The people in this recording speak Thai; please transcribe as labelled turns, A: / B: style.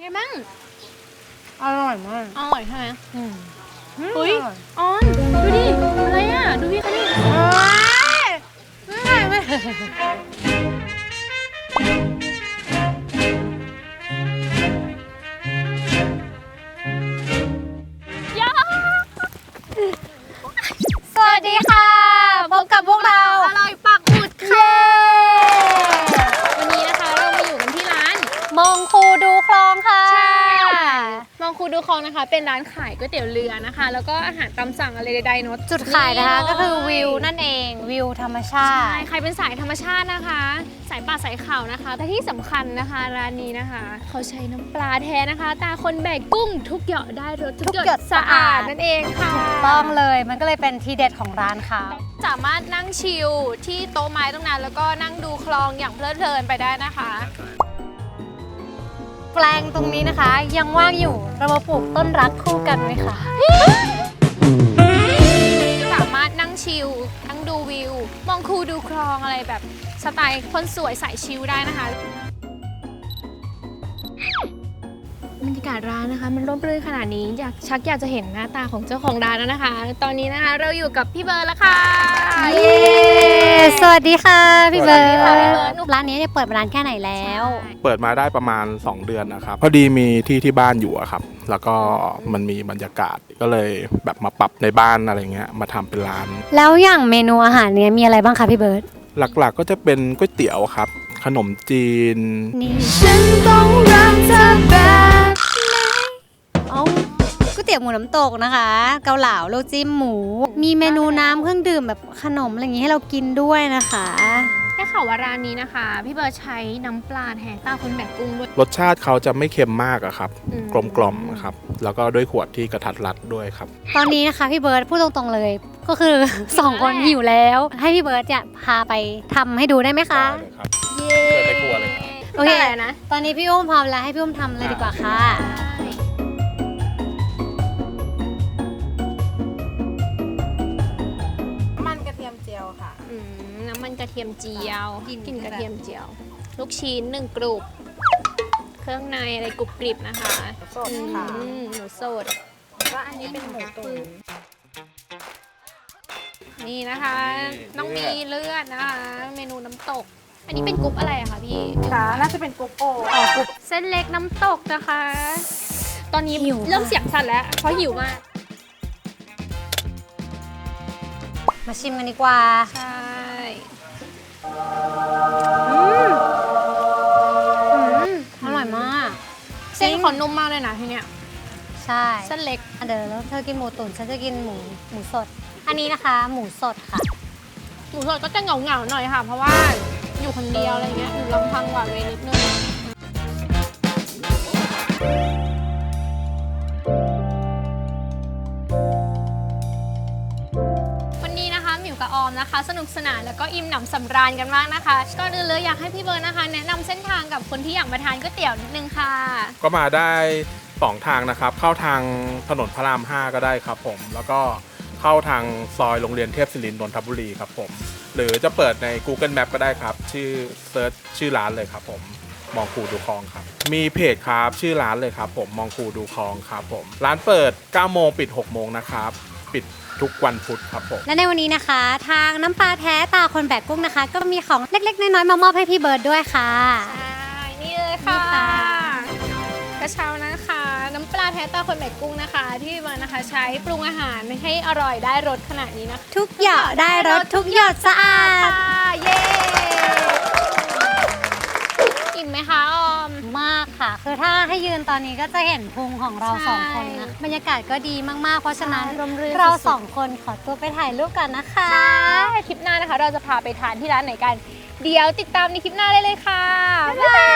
A: ไงบ้าง
B: อร่อยมาก
A: อร่อยใช่ไหมเฮ้ยออนดูดิอะไรอ่ะดูพี่เขาดิ
B: ไม่สวัสดีค่ะพบกับพวกเรา
A: อร่อยปักหมุดค่ะวันนี้นะคะเรามาอยู่กันที่ร้าน
B: มองคูดูคลองค่ะ
A: มองคูดูคลองนะคะเป็นร้านขายก๋วยเตี๋ยวเรือนะคะแล้วก็อาหารตามสั่งอะไรใดๆเนาะ
B: จุดขายนะคะก็คือวิวนั่นเองวิวธรรมชาติ
A: ใช่ใครเป็นสายธรรมชาตินะคะสายป่าสายเขานะคะแต่ที่สำคัญนะคะร้านนี้นะคะเขาใช้น้ำปลาแท้นะคะตาคนแบกกุ้งทุกหยดได้รสทุกหยดสะอาดนั่นเองค่ะ
B: ถูกต้องเลยมันก็เลยเป็นทีเด็ดของร้านเขา
A: สามารถนั่งชิลที่โต๊ะไม้ตรงนั้นแล้วก็นั่งดูคลองอย่างเพลิดเพลินไปได้นะคะ
B: แปลงตรงนี้นะคะยังว่างอยู่เรามาปลูกต้นรักคู่กันไหมคะ
A: สามารถนั่งชิลนั่งดูวิวมองคูดูคลองอะไรแบบสไตล์คนสวยสายชิลได้นะคะบรรยากาศร้านนะคะมันร่มรื่นขนาดนี้อยากจะเห็นหน้าตาของเจ้าของร้านแล้วนะคะ ตอนนี้นะคะเราอยู่กับพี่เบิร์ดแล้วค่ะ
B: เย้สวัสดีค่ะพี่เบิร์ดร้านนี้เนี่ยเปิดมานานแค่ไหนแล้ว
C: เปิดมาได้ประมาณ2 เดือนนะครับพอดีมีที่บ้านอยู่อะครับแล้วก็มันมีบรรยากาศก็เลยแบบมาปรับในบ้านอะไรเงี้ยมาทำเป็นร้าน
B: แล้วอย่างเมนูอาหารเนี่ยมีอะไรบ้างคะพี่เบิร์ด
C: หลักๆก็จะเป็นก๋วยเตี๋ยวครับขนมจีน
B: นี่ฉันต้องรักเธอแบบก๋วยเตี๋ยวหมูน้ำตกนะคะเกาเหลาโลจิ้มหมูมีเมนูน้ำเครื่องดื่มแบบขนมอะไรอย่างงี้ให้เรากินด้วยนะคะ
A: ได้ข่าวว่าร้านนี้นะคะพี่เบิร์ดใช้น้ำปลาแท้ตาคนแบกกุ้งด้วย
C: รสชาติเขาจะไม่เค็มมากอะครับกลมๆครับแล้วก็ด้วยขวดที่กระทัดรัดด้วยครับ
B: ตอนนี้นะคะพี่เบิร์ดพูดตรงๆเลยก็คือ2 คนหิวแล้วให้พี่เบิร์ดจะพาไปทำให้ดูได้ไหมคะ
C: ได้เลยครับเชิญในครัวเลยครับ
B: โอเคนะตอนนี้พี่อุ้มพร้อมแล้วให้พี่อุ้มทำเลยดีกว่าค่ะ
A: น้ำมันกระเทียมเจียวกลิ่นกระเทียมเจียวลูกชิ้น1 กรุบเครื่องในอะไรกรุบกริบนะคะ
D: สดค่ะ
A: หมูสด
D: ก็อันนี้เป็นหมูตุ๋น
A: นี่นะคะต้องมีเลือดนะคะเมนูน้ำตกอันนี้เป็นกรุบอะไรอะคะพี่
D: ค่ะน่าจะเป็นกรุบโอก
A: รุบเส้นเล็กน้ำตกนะคะตอนนี้เริ่มเสียงสั่นแล้วเพราะหิวมาก
B: มาชิมกันดีกว่า
A: ใช่
B: อร่อยมาก
A: เส้นขนนุ่มมากเลยนะที่เนี้ย
B: ใช่
A: เส้นเล็ก
B: เดี๋ยวแล้วเธอกินหมูตุ๋นฉันจะกินหมูสดอันนี้นะคะหมูสดค่ะ
A: หมูสดก็จะเหงาหน่อยค่ะเพราะว่าอยู่คนเดียวอะไรเงี้ยอยู่ลำพังหวานเวนิดนึงกับออมนะคะสนุกสนานแล้วก็อิ่มหนำสำราญกันมากนะคะก่อนอื่นเลยอยากให้พี่เบิร์ดนะคะแนะนำเส้นทางกับคนที่อยากมาทานก๋วยเตี๋ยวนิดนึงค่ะ
C: ก็มาได้2 ทางนะครับเข้าทางถนนพระราม 5ก็ได้ครับผมแล้วก็เข้าทางซอยโรงเรียนเทพศิรินทร์นนทบุรีครับผมหรือจะเปิดใน Google Map ก็ได้ครับชื่อเซิร์ชชื่อร้านเลยครับผมมองคูดูคลองครับมีเพจครับชื่อร้านเลยครับผมมองคูดูคลองครับผมร้านเปิด 9 โมงปิด 6 โมงนะครับปิดทุกวันพุธครับผม
B: และในวันนี้นะคะทางน้ำปลาแท้ตาคนแบกกุ้งนะคะก็มีของเล็กๆน้อยๆมามอบให้พี่เบิร์ดด้วยค่ะ
A: ใช่นี่เลยค่ะกระเช้านะคะน้ำปลาแท้ตาคนแบกกุ้งนะคะที่พี่เบิร์ดนะคะใช้ปรุงอาหารให้อร่อยได้รสขนาดนี้นะคะ
B: ทุกหยดได้รสทุกหยดสะอาด
A: เย้อิ่มไหมคะออม
B: มากค่ะคือถ้าให้ยืนตอนนี้ก็จะเห็นพุงของเรา2 คนนะบรรยากาศก็ดีมากๆเพราะฉะนั้นเรา2 คนขอตัวไปถ่ายรูปกันนะคะ
A: คลิปหน้านะคะเราจะพาไปทานที่ร้านไหนกันเดี๋ยวติดตามในคลิปหน้าได้เลยค่ะบ๊ายบาย